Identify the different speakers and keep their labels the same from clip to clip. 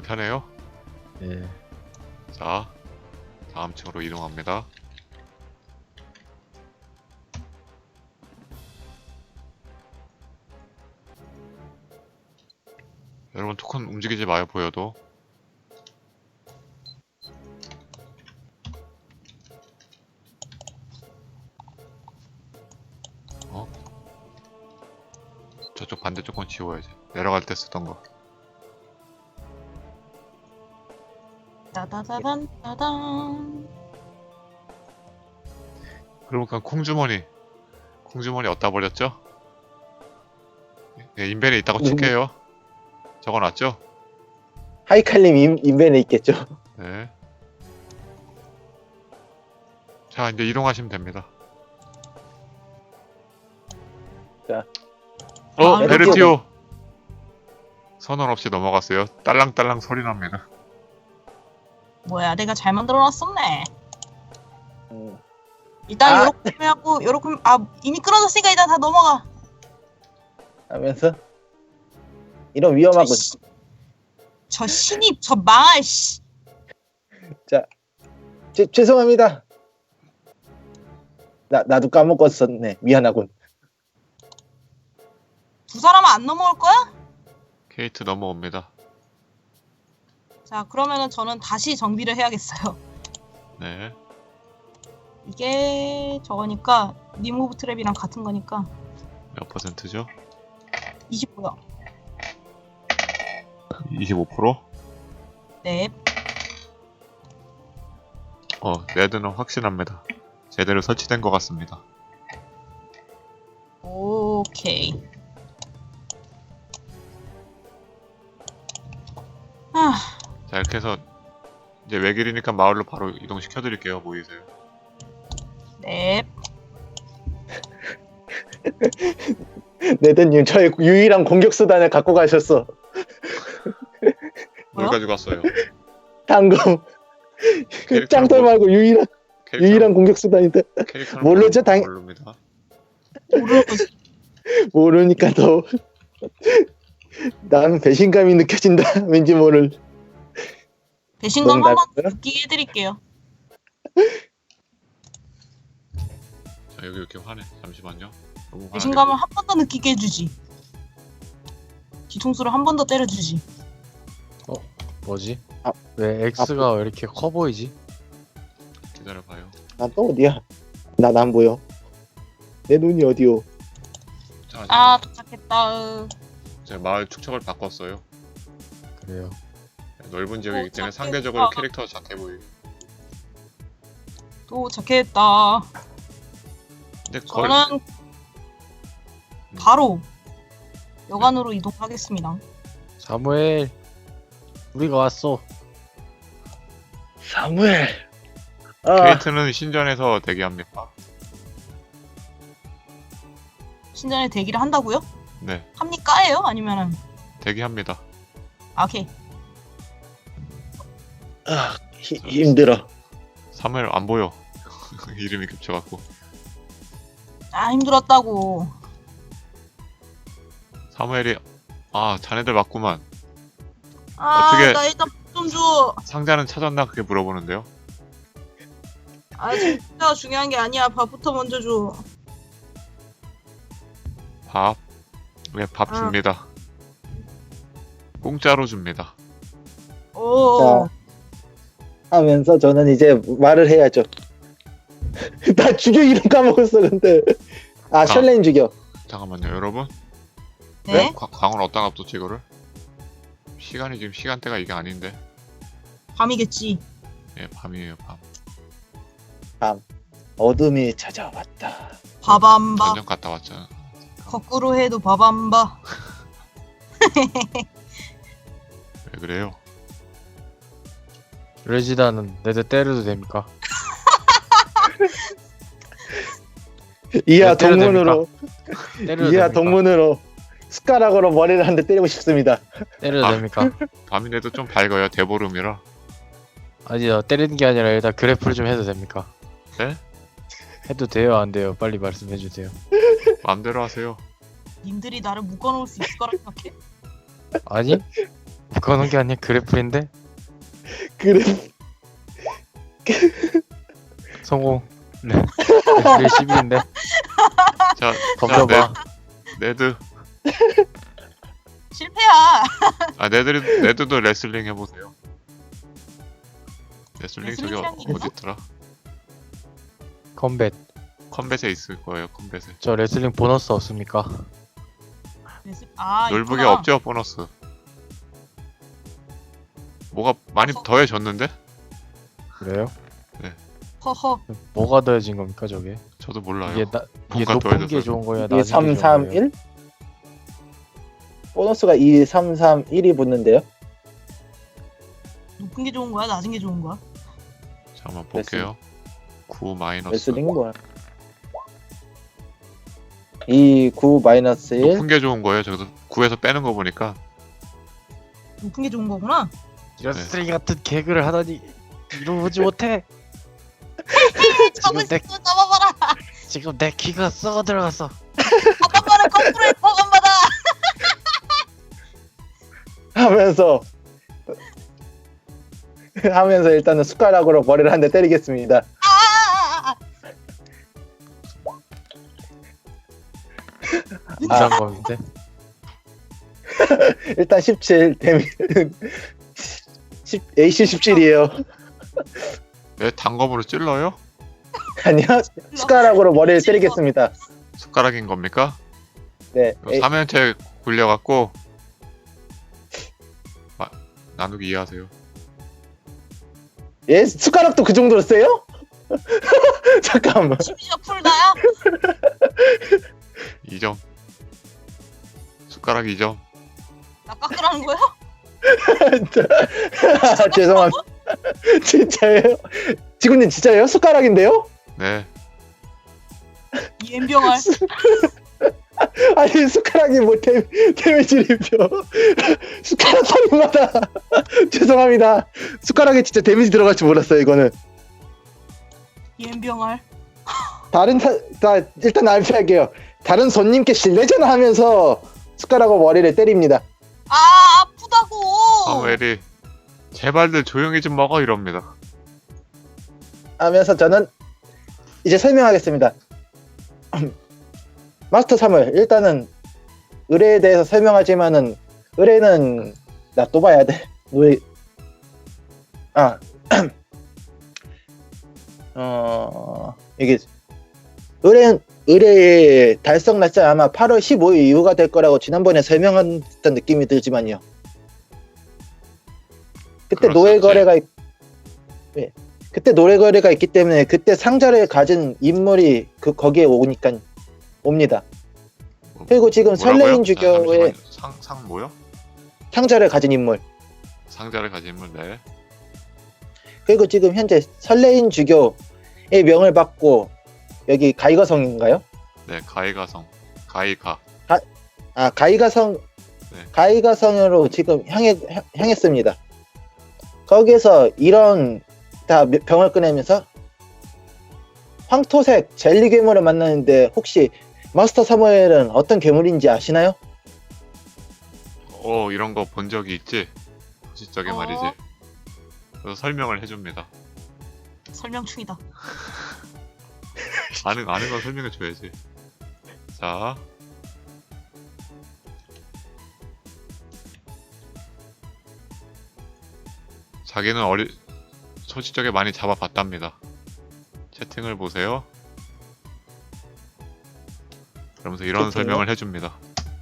Speaker 1: 편해요?
Speaker 2: 예.
Speaker 1: 자, 다음 층으로 이동합니다. 여러분 토큰 움직이지 마요, 보여도. 어? 저쪽 반대쪽 건 지워야지. 내려갈 때 쓰던 거.
Speaker 3: 따다다단 따단.
Speaker 1: 그러니까 콩주머니 어디다 버렸죠? 예, 인벤에 있다고 칠게요. 적어놨죠?
Speaker 4: 하이칼님 인벤에 있겠죠.
Speaker 1: 네. 자, 이제 이동하시면 됩니다.
Speaker 4: 자.
Speaker 1: 베르티오! 선언 없이 넘어갔어요. 딸랑딸랑 소리 납니다.
Speaker 3: 뭐야, 내가 잘 만들어놨었네.
Speaker 4: 음.
Speaker 3: 일단
Speaker 4: 아.
Speaker 3: 요렇게 하고 요렇게 이미 끊어졌으니까 일단 다 넘어가.
Speaker 4: 하면서 이런 위험한 거.
Speaker 3: 저 신입 저 망할 씨.
Speaker 4: 죄송합니다. 나도 까먹었었네. 미안하군.
Speaker 3: 두 사람은 안 넘어올 거야?
Speaker 1: 케이트 넘어옵니다.
Speaker 3: 자, 그러면은 저는 다시 정비를 해야겠어요.
Speaker 1: 네.
Speaker 3: 이게 저거니까 리무브 트랩이랑 같은 거니까
Speaker 1: 몇 퍼센트죠?
Speaker 3: 25요.
Speaker 1: 25%?
Speaker 3: 네.
Speaker 1: 레드는 확신합니다. 제대로 설치된 것 같습니다.
Speaker 3: 오케이. 아,
Speaker 1: 자, 이렇게 해서 이제 외길이니까 마을로 바로 이동시켜드릴게요. 모이세요.
Speaker 3: 네.
Speaker 4: 네드님 저의 유일한 공격 수단을 갖고 가셨어.
Speaker 3: 뭐요?
Speaker 1: 뭘 가지고 왔어요?
Speaker 4: 당금.
Speaker 1: 캐릭터는
Speaker 4: 짱돌
Speaker 1: 뭐-
Speaker 4: 말고 유일한 공격 수단인데
Speaker 1: 캐릭터는
Speaker 4: 모르죠,
Speaker 1: 모릅니다.
Speaker 3: 모르는 거지.
Speaker 4: 모르니까 더 나는 배신감이 느껴진다. 왠지 모를.
Speaker 3: 배신감 한번
Speaker 4: 농담이고요.
Speaker 3: 느끼게 해드릴게요.
Speaker 1: 자, 여기 이렇게 화내. 잠시만요. 너무
Speaker 3: 배신감을 한 번 더 느끼게 해주지. 뒤통수를 한 번 더 때려주지.
Speaker 2: 뭐지?
Speaker 4: 아,
Speaker 2: 왜 X가 왜 이렇게 커 보이지?
Speaker 1: 기다려봐요.
Speaker 4: 난 또 어디야? 난 안 보여. 내 눈이 어디요?
Speaker 1: 자,
Speaker 3: 아, 도착했다.
Speaker 1: 제가 마을 축척을 바꿨어요.
Speaker 2: 그래요.
Speaker 1: 넓은 지역이기 때문에
Speaker 3: 착했다.
Speaker 1: 상대적으로 캐릭터가 작게 보이게.
Speaker 3: 도착했다.
Speaker 1: 근데
Speaker 3: 저는 바로 여관으로 이동하겠습니다.
Speaker 2: 사무엘, 우리가 왔어.
Speaker 4: 사무엘.
Speaker 1: 케이트는 신전에서 대기합니다.
Speaker 3: 신전에 대기를 한다고요?
Speaker 1: 네,
Speaker 3: 합니까예요? 아니면은
Speaker 1: 대기합니다.
Speaker 3: 오케이.
Speaker 4: 힘들어.
Speaker 1: 사무엘 안 보여. 이름이 겹쳐갖고.
Speaker 3: 아, 힘들었다고.
Speaker 1: 사무엘이 자네들 맞구만.
Speaker 3: 아,
Speaker 1: 어떻게-
Speaker 3: 나 일단 좀 줘.
Speaker 1: 상자는 찾았나 그렇게 물어보는데요.
Speaker 3: 아, 진짜 중요한 게 아니야. 밥부터 먼저 줘.
Speaker 1: 밥. 네, 밥
Speaker 3: 아.
Speaker 1: 줍니다. 공짜로 줍니다.
Speaker 3: 오.
Speaker 4: 하면서 저는 이제 말을 해야죠. 나 죽여 이름 까먹었어 근데. 셜레인 죽여.
Speaker 1: 잠깐만요, 여러분.
Speaker 3: 네?
Speaker 1: 광을 어디다 놔뒀지 이거를? 시간이 지금 시간대가 이게 아닌데.
Speaker 3: 밤이겠지.
Speaker 1: 예, 밤이에요, 밤.
Speaker 4: 어둠이 찾아왔다.
Speaker 3: 바밤바.
Speaker 1: 전쟁 갔다 왔잖아.
Speaker 3: 거꾸로 해도 바밤바.
Speaker 1: 왜 그래요?
Speaker 2: 레지다는 내들 때려도 됩니까?
Speaker 4: 이하
Speaker 2: 때려도
Speaker 4: 동문으로
Speaker 2: 때려도
Speaker 4: 이하
Speaker 2: 됩니까?
Speaker 4: 동문으로 숟가락으로 머리를 한 대 때리고 싶습니다.
Speaker 2: 때려도
Speaker 1: 아.
Speaker 2: 됩니까?
Speaker 1: 밤인데도 좀 밝아요, 대보름이라.
Speaker 2: 아니요, 때리는 게 아니라 일단 그래프를 좀 해도 됩니까?
Speaker 1: 네?
Speaker 2: 해도 돼요, 안 돼요? 빨리 말씀해 주세요.
Speaker 1: 마음대로 하세요.
Speaker 3: 님들이 나를 묶어놓을 수 있을 거라 생각해?
Speaker 2: 아니? 묶어놓은 게 아니야 그래플인데
Speaker 4: 그래.
Speaker 2: 성공. 네. 그래플 10인데
Speaker 1: 자,
Speaker 2: 덤벼봐.
Speaker 1: 네드.
Speaker 3: 실패야.
Speaker 1: 아, 네드도 레슬링 해보세요. 레슬링 저기
Speaker 3: 레슬링이란 게
Speaker 1: 어디 있더라?
Speaker 2: 컴뱃.
Speaker 1: 컴뱃에 있을 거예요. 컴뱃에.
Speaker 2: 저 레슬링 보너스 없습니까?
Speaker 3: 아,
Speaker 1: 롤북에
Speaker 3: 있구나.
Speaker 1: 없죠 보너스. 뭐가 많이 더해졌는데?
Speaker 2: 그래요?
Speaker 3: 허허.
Speaker 2: 뭐가 더해진 겁니까 저게?
Speaker 1: 저도 몰라요.
Speaker 2: 이게
Speaker 1: 뭔가
Speaker 2: 높은
Speaker 1: 더해졌어요.
Speaker 2: 게 좋은 거야
Speaker 4: 이게
Speaker 2: 낮은 게
Speaker 4: 3,
Speaker 2: 좋은
Speaker 4: 3,
Speaker 2: 거예요?
Speaker 4: 1? 보너스가 2, 3, 3, 1이 붙는데요?
Speaker 3: 높은 게 좋은 거야? 낮은 게 좋은 거야?
Speaker 1: 잠깐만 볼게요. 9 마이너스.
Speaker 4: 레슬링 뭐야? 2, 9, 마이너스 1.
Speaker 1: 높은 게 좋은 거예요. 저도 9에서 빼는 거 보니까.
Speaker 3: 높은 게 좋은 거구나.
Speaker 2: 이런
Speaker 1: 네.
Speaker 2: 쓰레기 같은 개그를 하다니 이러지 못해.
Speaker 3: 잡을 수
Speaker 2: 내-
Speaker 3: 있어. 잡아봐라.
Speaker 2: 지금 내 키가 썩어 들어갔어.
Speaker 3: 잡아봐라. 거꾸로 해. 버간받아.
Speaker 4: 하면서 일단은 숟가락으로 머리를 한 대 때리겠습니다.
Speaker 3: 아.
Speaker 2: 인상검인데.
Speaker 4: 일단 17 데미 AC 17이에요.
Speaker 1: 왜 단검으로 찔러요?
Speaker 4: 아니요. 숟가락으로 머리를 때리겠습니다.
Speaker 1: 숟가락인 겁니까?
Speaker 4: 네.
Speaker 1: 이거 3연체 굴려갖고 나누기 이해하세요.
Speaker 4: 예? 숟가락도 그 정도로 세요? 잠깐만.
Speaker 3: 심지어 풀다야?
Speaker 1: 2점. 숟가락 2점.
Speaker 3: 나 깎으라는 거야?
Speaker 4: 죄송합니다. 진짜예요? 지구님 진짜예요? 숟가락인데요?
Speaker 1: 네.
Speaker 3: 이 엠병알.
Speaker 4: 아니 숟가락이 뭐 데미지를 입혀. 숟가락 소리마다. 죄송합니다. 숟가락에 진짜 데미지 들어갈 줄 몰랐어요 이거는.
Speaker 3: 이 엠병알.
Speaker 4: 일단 알피할게요. 다른 손님께 실례잖아 하면서 숟가락으로 머리를 때립니다.
Speaker 3: 아, 아프다고.
Speaker 1: 사무엘이 제발들 조용히 좀 먹어 이럽니다.
Speaker 4: 하면서 저는 이제 설명하겠습니다. 마스터 사무엘, 일단은 의뢰에 대해서 설명하지만은 의뢰는 나 또 봐야 돼. 노예. 이게 의뢰의 달성 날짜 아마 8월 15일 이후가 될 거라고 지난번에 설명했던 느낌이 들지만요. 그때 노예 거래가 그때 노예 거래가 있기 때문에 그때 상자를 가진 인물이 거기에 옵니다. 그리고 지금
Speaker 1: 뭐라고요?
Speaker 4: 설레인 주교의
Speaker 1: 상 뭐요?
Speaker 4: 상자를 가진 인물.
Speaker 1: 상자를 가진 인물. 네.
Speaker 4: 그리고 지금 현재 설레인 주교의 명을 받고 여기 가이가성인가요?
Speaker 1: 네, 가이가성. 가이가.
Speaker 4: 가이가성.
Speaker 1: 네.
Speaker 4: 가이가성으로 지금 향했습니다. 거기에서 이런 다 병을 꺼내면서 황토색 젤리 괴물을 만나는데 혹시 마스터 사무엘은 어떤 괴물인지 아시나요?
Speaker 1: 이런 거 본 적이 있지? 소시적에
Speaker 3: 어.
Speaker 1: 말이지. 그래서 설명을 해줍니다.
Speaker 3: 설명충이다.
Speaker 1: 아는 건 설명해줘야지. 자. 자기는 소시적에 많이 잡아봤답니다. 채팅을 보세요. 그러면서 이런
Speaker 4: 채팅이요?
Speaker 1: 설명을 해줍니다.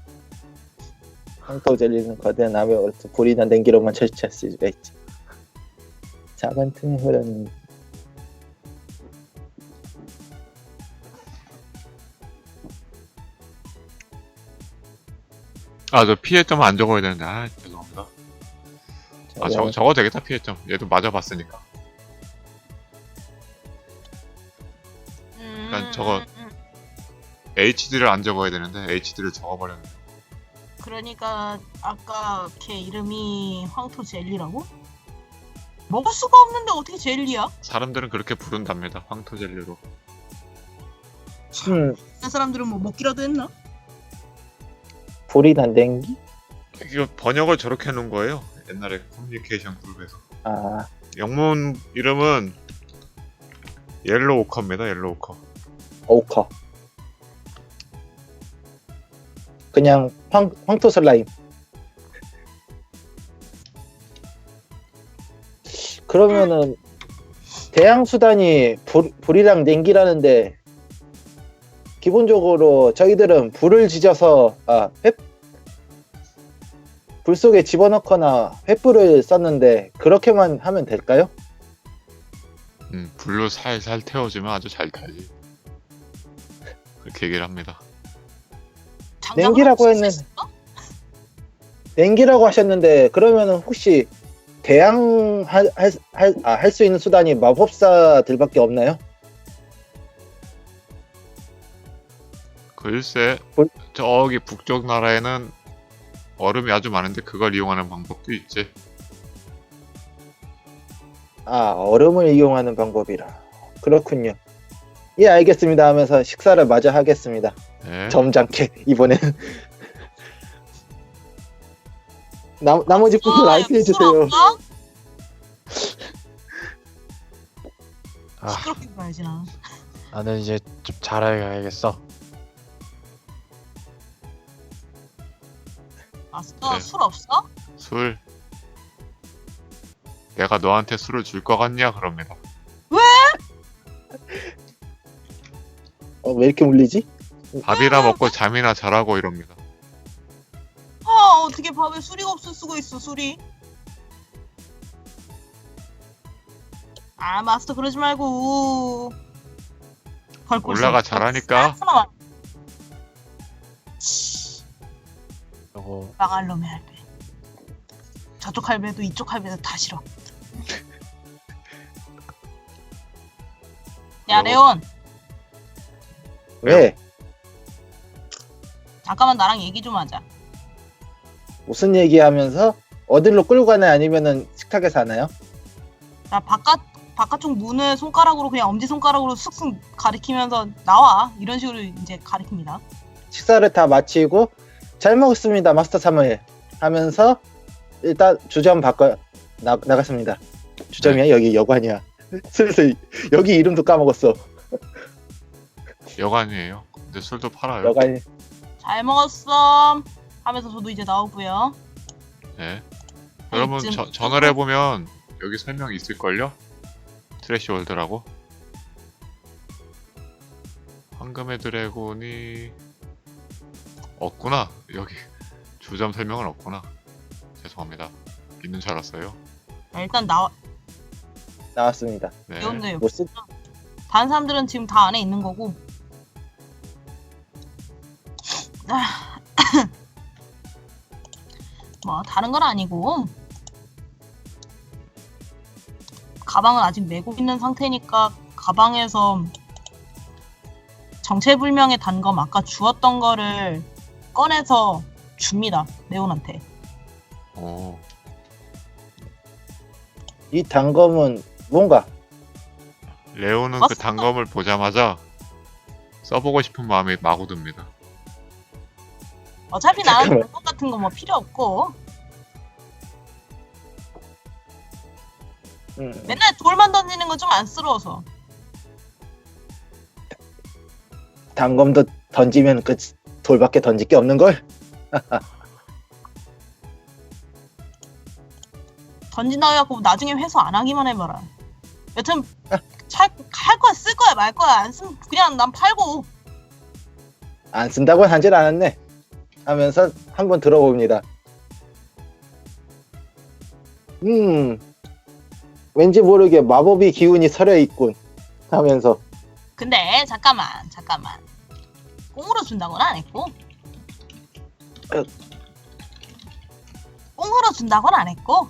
Speaker 4: 황토 젤리는 거대한 암의 어려서 불이나 냉기로만 처치할 수가 있지. 작은 틈에 흐르는
Speaker 1: 저 피해점 안 적어야 되는데, 죄송합니다. 적어도 되겠다, 피해점. 얘도 맞아봤으니까. 일단 저거 HD를 안 적어야 되는데, HD를 적어버렸네.
Speaker 3: 그러니까 아까 걔 이름이 황토 젤리라고? 먹을 수가 없는데 어떻게 젤리야?
Speaker 1: 사람들은 그렇게 부른답니다, 황토젤리로.
Speaker 3: 그 사람들은 뭐 먹기라도 했나?
Speaker 4: 불이나 냉기?
Speaker 1: 이거 번역을 저렇게 해놓은 거예요. 옛날에 커뮤니케이션 그룹에서.
Speaker 4: 아,
Speaker 1: 영문 이름은 옐로우 오커입니다. 옐로우 오커.
Speaker 4: 오커. 그냥 황토 슬라임. 그러면은 대항 수단이 불이랑 냉기라는데 기본적으로 저희들은 불을 지져서 불 속에 집어넣거나 횃불을 썼는데 그렇게만 하면 될까요?
Speaker 1: 불로 살살 태워주면 아주 잘 타지. 그렇게 얘기를 합니다.
Speaker 4: 냉기라고 했는 냉기라고 하셨는데 그러면은 혹시 대항 할 수 있는 수단이 마법사들밖에 없나요?
Speaker 1: 글쎄,
Speaker 4: 뭘?
Speaker 1: 저기 북쪽 나라에는 얼음이 아주 많은데 그걸 이용하는 방법도 있지.
Speaker 4: 아, 얼음을 이용하는 방법이라. 그렇군요. 예, 알겠습니다 하면서 식사를 마저 하겠습니다.
Speaker 1: 네.
Speaker 4: 점잖게 이번에는. 나머지 분들 알게 해주세요.
Speaker 2: 아,
Speaker 3: 시끄럽게 가야지 나.
Speaker 2: 나는 이제 좀 잘해야겠어.
Speaker 3: 마스터
Speaker 1: 네.
Speaker 3: 술 없어?
Speaker 1: 술. 내가 너한테 술을 줄 것 같냐? 그럽니다.
Speaker 4: 왜 이렇게 물리지?
Speaker 1: 밥이나 먹고 잠이나 자라고 이럽니다.
Speaker 3: 아 어떻게 밥에 술이 없을 수가 있어 술이? 아 마스터 그러지 말고.
Speaker 1: 올라가 잘하니까.
Speaker 2: 그리고
Speaker 3: 망할 놈의 할배. 저쪽 할배도 이쪽 할배도 다 싫어. 야 레온
Speaker 4: 왜?
Speaker 3: 잠깐만 나랑 얘기 좀 하자.
Speaker 4: 무슨 얘기하면서 어디로 끌고 가나요? 아니면은 식탁에서 하나요?
Speaker 3: 나 바깥쪽 문을 손가락으로 그냥 엄지 손가락으로 슥슥 가리키면서 나와 이런 식으로 이제 가리킵니다.
Speaker 4: 식사를 다 마치고 잘 먹었습니다 마스터 사무엘 하면서 일단 주점 바꿔 나갔습니다. 주점이야? 여기 여관이야. 슬슬 여기 이름도 까먹었어.
Speaker 1: 여관이에요. 근데 술도 팔아요.
Speaker 4: 여관이.
Speaker 3: 잘 먹었어 하면서 저도 이제 나오고요.
Speaker 1: 네. 여러분
Speaker 3: 이쯤-
Speaker 1: 전화를 해보면 여기 설명 있을걸요? 트래시 월드라고. 황금의 드래곤이 없구나. 여기 주점 설명은 없구나. 죄송합니다. 있는 줄 알았어요.
Speaker 3: 자, 일단
Speaker 4: 나왔습니다.
Speaker 1: 네.
Speaker 3: 나오는데요.
Speaker 4: 뭐 쓰?
Speaker 3: 다른 사람들은 지금 다 안에 있는 거고. 뭐 다른 건 아니고 가방은 아직 메고 있는 상태니까 가방에서 정체불명의 단검 아까 주웠던 거를 꺼내서 줍니다. 레온한테.
Speaker 1: 오.
Speaker 4: 이 단검은 뭔가
Speaker 1: 레오는 그
Speaker 3: 맞습니다.
Speaker 1: 단검을 보자마자 써보고 싶은 마음이 마구 듭니다.
Speaker 3: 어차피 나는
Speaker 4: 잠깐만.
Speaker 3: 단검 같은 거 뭐 필요 없고 맨날 돌만 던지는 거 좀 안쓰러워서.
Speaker 4: 단검도 던지면 그 돌밖에 던질 게 없는 걸.
Speaker 3: 던진다고 해갖고 나중에 회수 안 하기만 해봐라. 여튼 할 거야 쓸 거야 말 거야 안 쓰면 그냥 난 팔고.
Speaker 4: 안 쓴다고 하질 않았네 하면서 한번 들어봅니다. 왠지 모르게 마법의 기운이 서려 있군 하면서
Speaker 3: 근데 잠깐만 꽁으로 준다고는 안 했고 꽁으로 준다고는 안 했고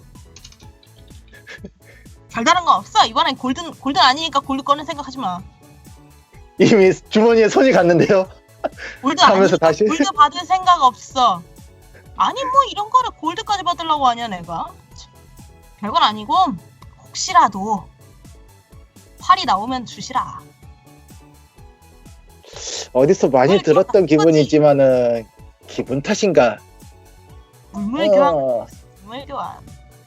Speaker 3: 별다른 거 없어. 이번엔 골든 아니니까 골드 꺼낼 생각하지 마.
Speaker 4: 이미 주머니에 손이 갔는데요.
Speaker 3: 골드
Speaker 4: 하면서
Speaker 3: 아니니까
Speaker 4: 다시?
Speaker 3: 골드 받을 생각 없어. 아니 뭐 이런 거를 골드까지 받으려고 하냐 내가. 별건 아니고 혹시라도 활이 나오면 주시라.
Speaker 4: 어디서 많이
Speaker 3: 그걸
Speaker 4: 들었던
Speaker 3: 그렇게
Speaker 4: 기분이지만은 기분 탓인가?
Speaker 3: 물물 교환.
Speaker 4: 어,
Speaker 3: 물물 교환.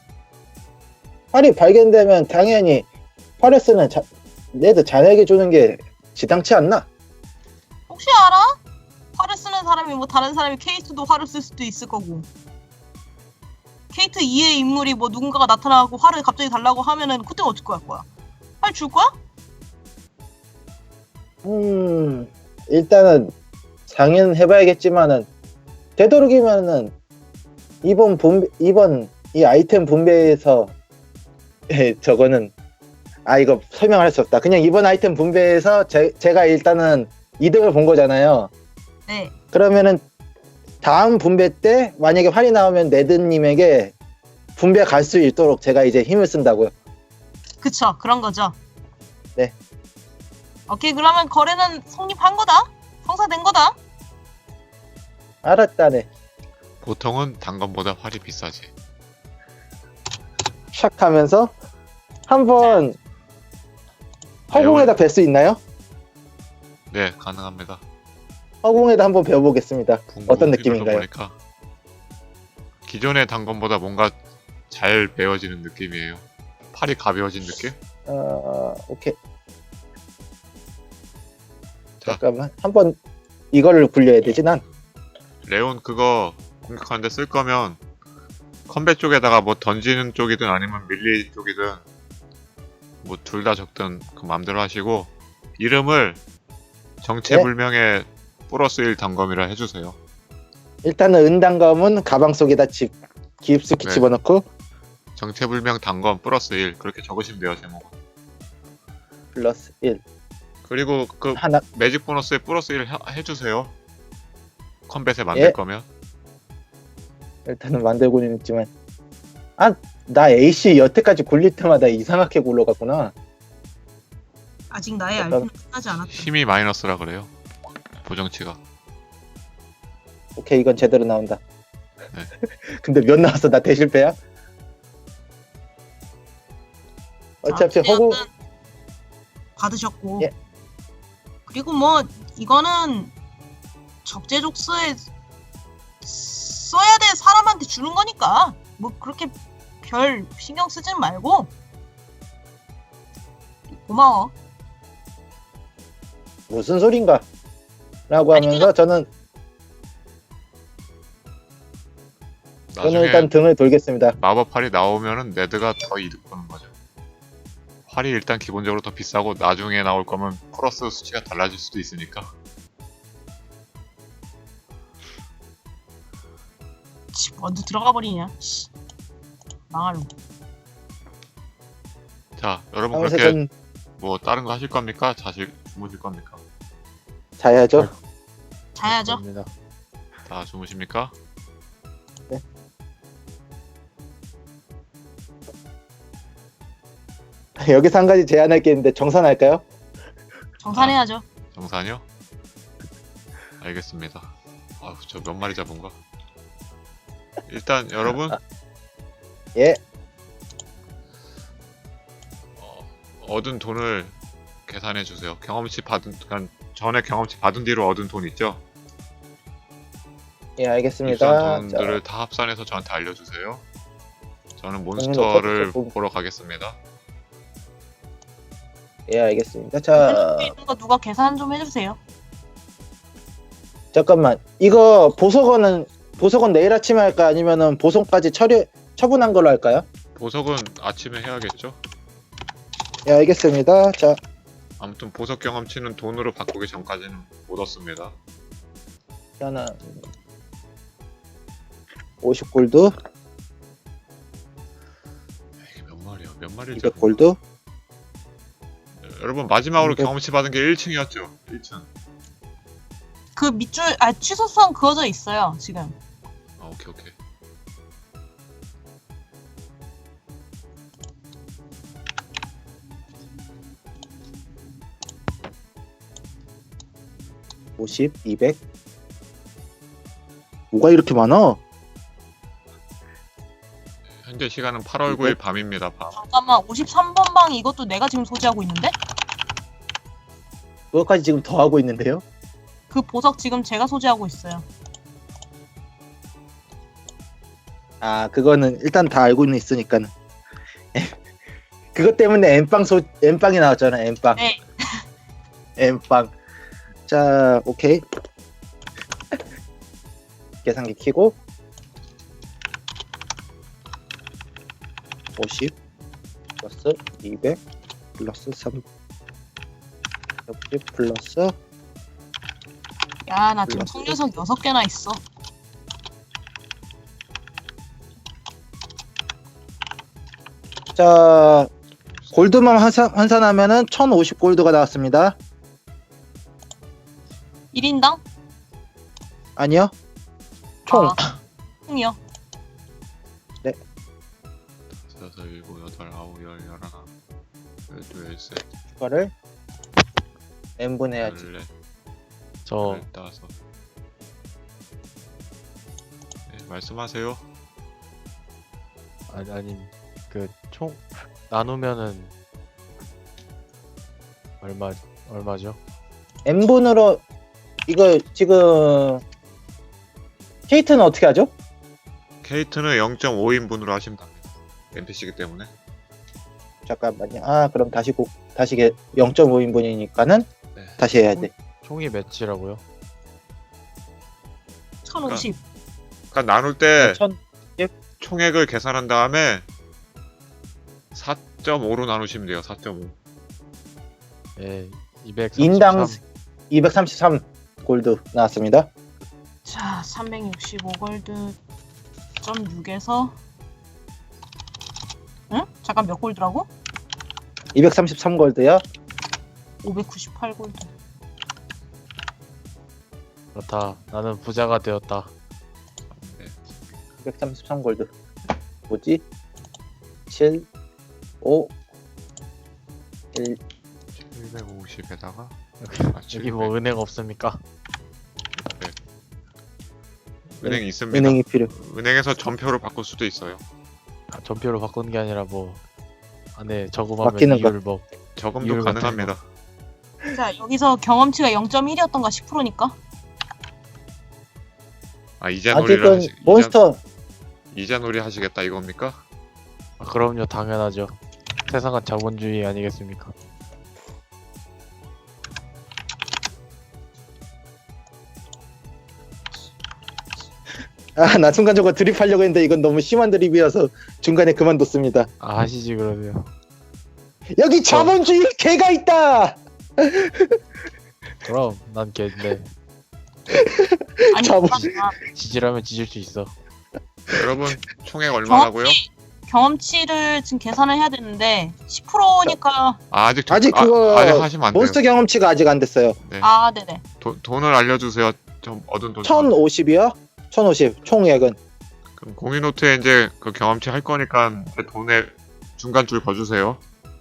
Speaker 4: 활이 발견되면 당연히 활을 쓰는 레드 자네에게 주는 게 지당치 않나?
Speaker 3: 혹시 알아? 활을 쓰는 사람이 뭐 다른 사람이 케이스도 활을 쓸 수도 있을 거고. 케이트 2의 인물이 뭐 누군가가 나타나고 활을 갑자기 달라고 하면은 그때 어떻게 할 거야? 활 줄 거야?
Speaker 4: 일단은 상의해봐야겠지만은 되도록이면은 이번 이 아이템 분배에서 저거는 이거 설명할 수 없다. 그냥 이번 아이템 분배에서 제가 일단은 이득을 본 거잖아요.
Speaker 3: 네.
Speaker 4: 그러면은 다음 분배 때 만약에 활이 나오면 네드님에게 분배 갈 수 있도록 제가 이제 힘을 쓴다고요.
Speaker 3: 그쵸. 그런 거죠.
Speaker 4: 네.
Speaker 3: 오케이. 그러면 거래는 성립한 거다. 성사된 거다.
Speaker 4: 알았다네.
Speaker 1: 보통은 단검보다 활이 비싸지.
Speaker 4: 샥 하면서 한번 허공에다 뵐 수 있나요?
Speaker 1: 네, 가능합니다.
Speaker 4: 허공에다 한번 배워보겠습니다.
Speaker 1: 궁극
Speaker 4: 어떤
Speaker 1: 피부로
Speaker 4: 느낌인가요?
Speaker 1: 보니까 기존의 단검보다 뭔가 잘 베어지는 느낌이에요. 팔이 가벼워진 느낌?
Speaker 4: 오케이.
Speaker 1: 자.
Speaker 4: 잠깐만. 한번 이거를 굴려야 되지 난.
Speaker 1: 레온 그거 공격하는데 쓸 거면 컴뱃 쪽에다가 뭐 던지는 쪽이든 아니면 밀리 쪽이든 뭐 둘 다 적든 그 맘대로 하시고 이름을 정체불명의 플러스 1 단검이라 해주세요.
Speaker 4: 일단은 은단검은 가방 속에다 깊숙이
Speaker 1: 네.
Speaker 4: 집어넣고
Speaker 1: 정체불명 단검 플러스 1 그렇게 적으시면 돼요 제목은.
Speaker 4: 플러스 1
Speaker 1: 그리고 그
Speaker 4: 하나.
Speaker 1: 매직 보너스에 플러스 1 해주세요. 컴뱃에 만들
Speaker 4: 예.
Speaker 1: 거면.
Speaker 4: 일단은 만들고는 있지만 나 AC 여태까지 굴릴 때마다 이상하게 굴러갔구나.
Speaker 3: 아직 나의
Speaker 4: 약간-
Speaker 3: 알피는 끝나지 않았다.
Speaker 1: 힘이 마이너스라 그래요. 보정치가.
Speaker 4: 오케이 이건 제대로 나온다.
Speaker 1: 네.
Speaker 4: 근데 몇 나왔어? 나 대실패야? 어차피 허공
Speaker 3: 받으셨고.
Speaker 4: 예.
Speaker 3: 그리고 뭐 이거는 적재적소에 써야 될 사람한테 주는 거니까 뭐 그렇게 별 신경 쓰지 말고 고마워.
Speaker 4: 무슨 소린가? 라고 하면서 저는
Speaker 1: 나중에
Speaker 4: 일단 등을 돌겠습니다.
Speaker 1: 마법활이 나오면은 네드가 더 이득 보는 거죠. 활이 일단 기본적으로 더 비싸고 나중에 나올 거면 플러스 수치가 달라질 수도 있으니까.
Speaker 3: 먼저 들어가 버리냐. 씨. 망할로.
Speaker 1: 자, 여러분
Speaker 4: 하면서
Speaker 1: 그렇게
Speaker 4: 전
Speaker 1: 뭐 다른 거 하실 겁니까? 주무실 겁니까?
Speaker 4: 자야죠.
Speaker 3: 자야죠.
Speaker 2: 감사합니다.
Speaker 1: 다 주무십니까?
Speaker 4: 여기서 한 가지 제안할 게 있는데 정산할까요?
Speaker 3: 정산해야죠.
Speaker 1: 정산이요? 알겠습니다. 아우, 저 몇 마리 잡은 거? 일단 여러분
Speaker 4: 예.
Speaker 1: 얻은 돈을 계산해 주세요. 경험치 받은, 그러니까 전에 경험치 받은 뒤로 얻은 돈 있죠?
Speaker 4: 예, 알겠습니다.
Speaker 1: 입수한
Speaker 4: 자,
Speaker 1: 돈들을 다 합산해서 저한테 알려주세요. 저는
Speaker 4: 돈을
Speaker 1: 몬스터를
Speaker 4: 넣고
Speaker 1: 보러 가겠습니다.
Speaker 4: 예, 알겠습니다. 자,
Speaker 3: 있는 거 누가 계산 좀 해주세요.
Speaker 4: 잠깐만. 이거 보석원은 내일 아침에 할까? 아니면은 보석까지 처분한 걸로 할까요?
Speaker 1: 보석은 아침에 해야겠죠?
Speaker 4: 예, 알겠습니다. 자,
Speaker 1: 아무튼 보석 경험치는 돈으로 바꾸기 전까지는 못 얻습니다.
Speaker 4: 저는 50골드,
Speaker 1: 이게 몇 마리야? 몇 마리를
Speaker 4: 200골드.
Speaker 1: 여러분 마지막으로
Speaker 4: 200.
Speaker 1: 경험치 받은 게 1층이었죠? 1층.
Speaker 3: 그 밑줄 취소선 그어져 있어요 지금.
Speaker 1: 아, 오케이 오케이.
Speaker 4: 오십, 200. 뭐가 이렇게 많아?
Speaker 1: 현재 시간은 8월 9일 밤입니다. 밤.
Speaker 3: 잠깐만 53번 방 이것도 내가 지금 소지하고 있는데?
Speaker 4: 그것까지 지금 더 하고 있는데요?
Speaker 3: 그 보석 지금 제가 소지하고 있어요.
Speaker 4: 아, 그거는 일단 다 알고는 있으니까는. 그것 때문에 엠빵이 나왔잖아. 엠빵.
Speaker 3: 네.
Speaker 4: 엠빵. 자, 오케이. 계산기 켜고 50 플러스 200 플러스 360 플러스
Speaker 3: 야, 나 지금
Speaker 4: 플러스.
Speaker 3: 속녀석 6개나 있어.
Speaker 4: 자, 골드만 환산하면은 1050 골드가 나왔습니다.
Speaker 3: 1인당?
Speaker 4: 아니요. 총.
Speaker 3: 총이요.
Speaker 1: 여섯, 일곱, 여덟, 아홉, 열, 열하나, 열두, 열세,
Speaker 4: 추가를 n분 해야지.
Speaker 1: 열넷,
Speaker 2: 저
Speaker 1: 열다섯. 네, 말씀하세요.
Speaker 2: 아니 그 총 나누면은 얼마죠?
Speaker 4: n분으로 이거 지금 케이트는 어떻게 하죠?
Speaker 1: 케이트는 0.5인분으로 하시면 됩니다. NPC이기 때문에.
Speaker 4: 잠깐만요. 아, 그럼 다시 0.5인분이니까는
Speaker 1: 네.
Speaker 4: 다시 해야 돼.
Speaker 2: 총이 몇이라고요?
Speaker 3: 1050.
Speaker 1: 그러니까 나눌 때
Speaker 4: 1000
Speaker 1: 총액을 계산한 다음에 4.5로 나누시면 돼요. 4.5.
Speaker 2: 예, 233.
Speaker 4: 인당 233 골드 나왔습니다.
Speaker 3: 자, 365골드 점 6에서 응? 잠깐 몇 골드라고?
Speaker 4: 233 골드요.
Speaker 3: 598골드.
Speaker 2: 그렇다. 나는 부자가 되었다.
Speaker 4: 233 골드. 뭐지? 7 5 1
Speaker 1: 750에다가
Speaker 2: 여기 뭐 은행 없습니까?
Speaker 1: 은행 있습니다.
Speaker 4: 은행이 필요.
Speaker 1: 은행에서 전표로 바꿀 수도 있어요.
Speaker 2: 아, 전표로 바꾸는 게 아니라 뭐 안에 저금하면
Speaker 4: 맡기는 거.
Speaker 2: 이율 뭐
Speaker 1: 저금도
Speaker 2: 이율 같은
Speaker 1: 가능합니다.
Speaker 3: 자, 여기서 경험치가 0.1이었던가 10%니까?
Speaker 1: 아, 이자놀이를
Speaker 4: 아직은 몬스터
Speaker 1: 이자놀이 하시겠다 이겁니까?
Speaker 2: 아, 그럼요, 당연하죠. 세상은 자본주의 아니겠습니까?
Speaker 4: 나 순간적으로 드립하려고 했는데 이건 너무 심한 드립이어서 중간에 그만뒀습니다.
Speaker 2: 아, 하시지 그러세요.
Speaker 4: 여기 자본주의 개가 있다.
Speaker 2: 그럼 난 걔인데
Speaker 3: 아니,
Speaker 4: 자본-
Speaker 3: 잠깐만.
Speaker 2: 지지라면 지질 수 있어.
Speaker 1: 여러분 총액 얼마라고요?
Speaker 3: 경험치를 지금 계산을 해야 되는데 10%니까
Speaker 1: 아, 아직
Speaker 4: 그거
Speaker 1: 아직 하시면 안 돼요.
Speaker 4: 몬스터 경험치가 아직 안 됐어요.
Speaker 1: 네.
Speaker 3: 아, 네네.
Speaker 1: 돈을 알려주세요. 좀 얻은 돈.
Speaker 4: 1050이요? 1050 총액은
Speaker 1: 그럼 공인노트에 이제 그 경험치 할 거니까 제 돈에 중간 줄 거주세요.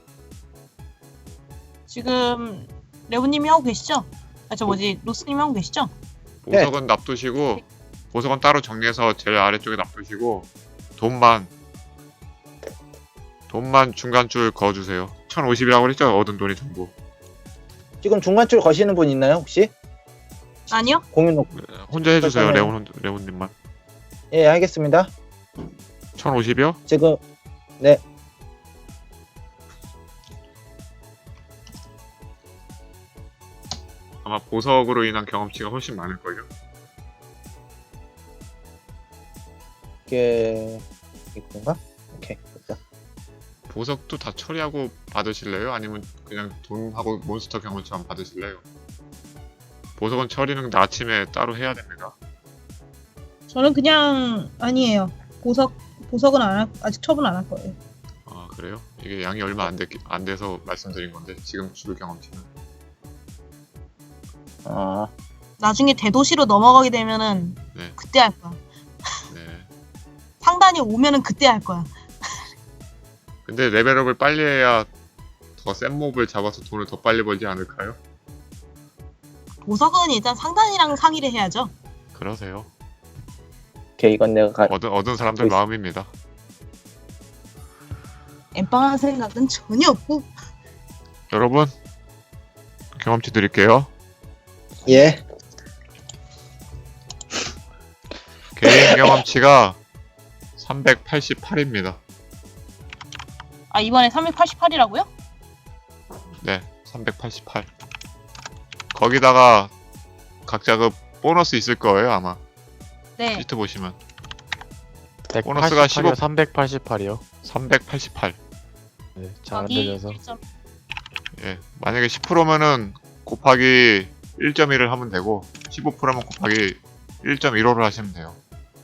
Speaker 3: 지금 레오님이 하고 계시죠? 아, 저 뭐지, 로스님이 하고 계시죠?
Speaker 1: 보석은 납두시고 보석은 따로 정리해서 제일 아래쪽에 납두시고 돈만 중간 줄 그어주세요. 1050이라고 그랬죠? 얻은 돈이 전부.
Speaker 4: 지금 중간줄 거시는 분 있나요 혹시?
Speaker 3: 아니요?
Speaker 4: 공인 놓고.
Speaker 1: 혼자 해주세요.
Speaker 4: 잠깐만요.
Speaker 1: 레온님만.
Speaker 4: 예, 알겠습니다.
Speaker 1: 1050이요?
Speaker 4: 지금 네.
Speaker 1: 아마 보석으로 인한 경험치가 훨씬 많을걸요?
Speaker 4: 이게 이건가? 오케이. 됐다.
Speaker 1: 보석도 다 처리하고 받으실래요? 아니면 그냥 돈하고 몬스터 경험치만 받으실래요? 보석은 처리는 아침에 따로 해야 됩니다.
Speaker 3: 저는 그냥 아니에요. 보석은 아직 처분 안 할 거예요.
Speaker 1: 아, 그래요? 이게 양이 얼마 안 돼서 말씀드린 건데 지금 줄 경험치는.
Speaker 4: 아,
Speaker 3: 나중에 대도시로 넘어가게 되면은
Speaker 1: 네.
Speaker 3: 그때 할 거야.
Speaker 1: 네.
Speaker 3: 상단이 오면은 그때 할 거야.
Speaker 1: 근데 레벨업을 빨리 해야 더 센 몹을 잡아서 돈을 더 빨리 벌지 않을까요?
Speaker 3: 보석은 일단 상단이랑 상의를 해야죠.
Speaker 1: 그러세요.
Speaker 4: 오케이. 이건 내가
Speaker 1: 얻은 사람들
Speaker 4: 있어.
Speaker 1: 마음입니다.
Speaker 3: 엠빵할 생각은 전혀 없고.
Speaker 1: 여러분, 경험치 드릴게요.
Speaker 4: 예.
Speaker 1: 개인 경험치가 388입니다.
Speaker 3: 아 이번에 388이라고요?
Speaker 1: 네, 388. 거기다가 각자 그 보너스 있을 거예요, 아마.
Speaker 3: 네.
Speaker 1: 시트 보시면.
Speaker 2: 188이요,
Speaker 1: 보너스가 15
Speaker 2: 388이요.
Speaker 1: 388.
Speaker 2: 네, 잘 안
Speaker 3: 여기
Speaker 2: 들려서.
Speaker 3: 1점.
Speaker 1: 예. 만약에 10%면은 곱하기 1.1을 하면 되고 15%면 곱하기 1.15를 하시면 돼요.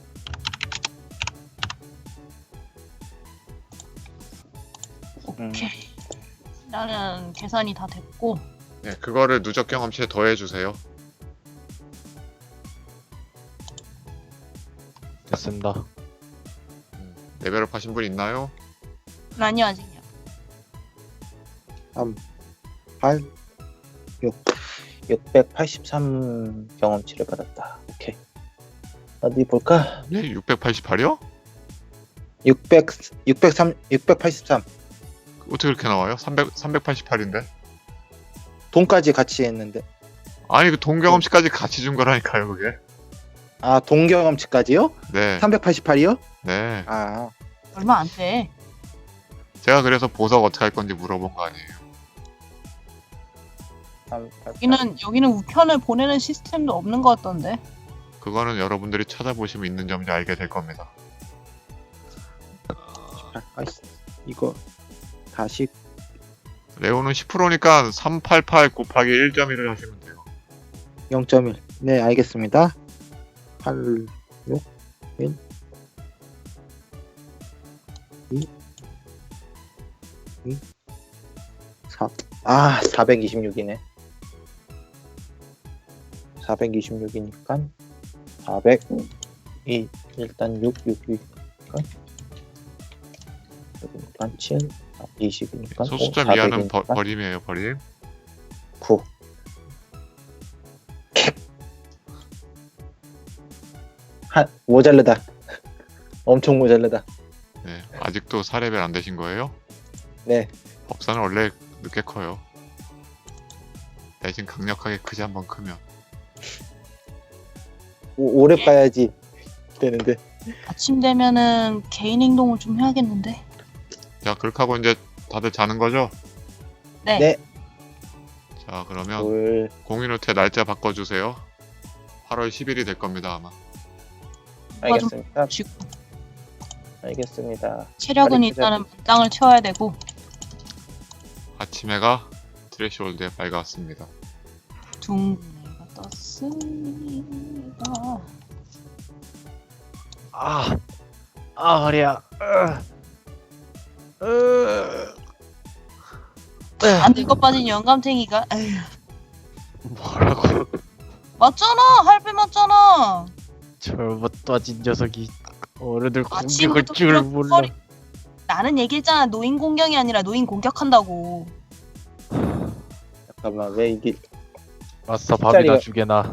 Speaker 3: 오케이. 나는 계산이 다 됐고.
Speaker 1: 네, 그거를 누적 경험치에 더해 주세요.
Speaker 2: 됐습니다.
Speaker 1: 레벨업 하신 분 있나요?
Speaker 3: 아니요 아직이요.
Speaker 4: 3, 8, 6, 683 경험치를 받았다. 오케이. 어디 볼까?
Speaker 1: 네, 688이요?
Speaker 4: 683.
Speaker 1: 어떻게 그렇게 나와요? 388인데?
Speaker 4: 돈까지 같이 했는데.
Speaker 1: 아니, 그 동경험치까지 같이 준 거라니까요, 그게.
Speaker 4: 아, 동경험치까지요?
Speaker 1: 네.
Speaker 4: 388이요?
Speaker 1: 네.
Speaker 4: 아,
Speaker 3: 얼마 안 돼.
Speaker 1: 제가 그래서 보석 어떻게 할 건지 물어본 거 아니에요.
Speaker 4: 388.
Speaker 3: 여기는 우편을 보내는 시스템도 없는 것 같던데.
Speaker 1: 그거는 여러분들이 찾아보시면 있는 점인지 알게 될 겁니다.
Speaker 4: 아이씨, 이거 다시
Speaker 1: 레오는 10%니까 388 곱하기 1.1을 하시면 돼요.
Speaker 4: 0.1. 네, 알겠습니다. 8, 6, 1, 2, 4. 아, 426이네. 426이니까 400. 일단 6, 6이니까 7, 20이니까
Speaker 1: 소수점 이하는 버림이에요, 버림.
Speaker 4: 9. 모자르다. 엄청 모자르다.
Speaker 1: 네, 아직도 4레벨 안 되신 거예요?
Speaker 4: 네.
Speaker 1: 법사는 원래 늦게 커요. 대신 강력하게 크지 한번 크면.
Speaker 4: 오래 봐야지 되는데.
Speaker 3: 아침 되면은 개인 행동을 좀 해야겠는데.
Speaker 1: 자, 그렇게 하고 이제 다들 자는 거죠?
Speaker 3: 네.
Speaker 4: 네.
Speaker 1: 자, 그러면
Speaker 4: 둘,
Speaker 1: 공인호텔 날짜 바꿔주세요. 8월 10일이 될 겁니다, 아마.
Speaker 4: 알겠습니다.
Speaker 3: 쥐고.
Speaker 4: 알겠습니다.
Speaker 3: 체력은
Speaker 4: 빨리
Speaker 3: 일단은 땅을 채워야 되고.
Speaker 1: 아침 해가 트래시홀드에 밝아왔습니다.
Speaker 3: 둥근해가 떴습니다.
Speaker 2: 허리야.
Speaker 3: 안 늙어 빠진 영감탱이가. 에휴,
Speaker 2: 뭐라고?
Speaker 3: 맞잖아. 할배 맞잖아.
Speaker 2: 절못 떠진 녀석이 어른들 공격할
Speaker 3: 아침부터
Speaker 2: 줄
Speaker 3: 그런
Speaker 2: 몰라.
Speaker 3: 소리- 나는 얘기했잖아. 노인 공격이 아니라 노인 공격한다고.
Speaker 4: 잠깐만, 왜 이게
Speaker 2: 마스터 밥이나
Speaker 4: 숫자리가-
Speaker 2: 주게나.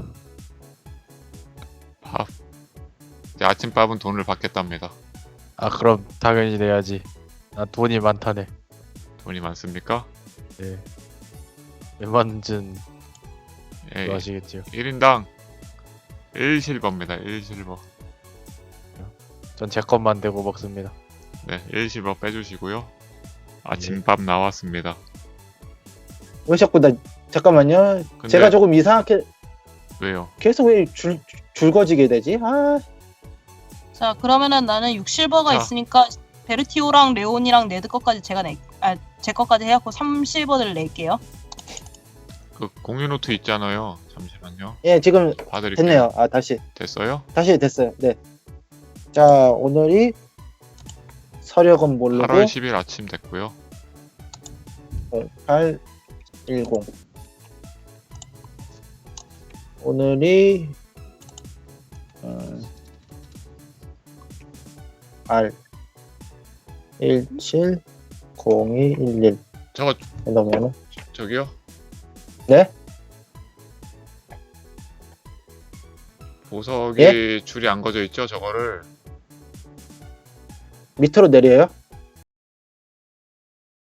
Speaker 1: 밥. 이제 아침밥은 돈을 받겠답니다.
Speaker 2: 아 그럼 당연히 내야지. 나 돈이 많다네.
Speaker 1: 돈이 많습니까?
Speaker 2: 네. 웬만준
Speaker 1: 예,
Speaker 2: 좋아하시겠지요.
Speaker 1: 1인당 1실버입니다. 1실버.
Speaker 2: 전 제 것만 대고 먹습니다.
Speaker 1: 네, 1실버 빼주시고요. 아침밥 나왔습니다.
Speaker 4: 왜 자꾸 잠깐만요.
Speaker 1: 근데-
Speaker 4: 제가 조금 이상하게
Speaker 1: 왜요?
Speaker 4: 계속 왜 줄거지게 되지? 아,
Speaker 3: 자 그러면은 나는 6실버가
Speaker 1: 자.
Speaker 3: 있으니까 베르티오랑 레온이랑 네드 것까지 제 것까지 해갖고 3실버를 낼게요.
Speaker 1: 그 공유노트 있잖아요. 잠시만요.
Speaker 4: 예, 지금
Speaker 1: 봐드릴게요.
Speaker 4: 됐네요. 아, 다시
Speaker 1: 됐어요?
Speaker 4: 됐어요. 네. 자, 오늘이 서력은 모르고
Speaker 1: 8월 10일 아침 됐고요.
Speaker 4: 0810. 오늘이 R 170211
Speaker 1: 저거
Speaker 4: 이러면은
Speaker 1: 저기요?
Speaker 4: 네?
Speaker 1: 보석이 줄이 안 거져 있죠? 저거를
Speaker 4: 밑으로 내려요?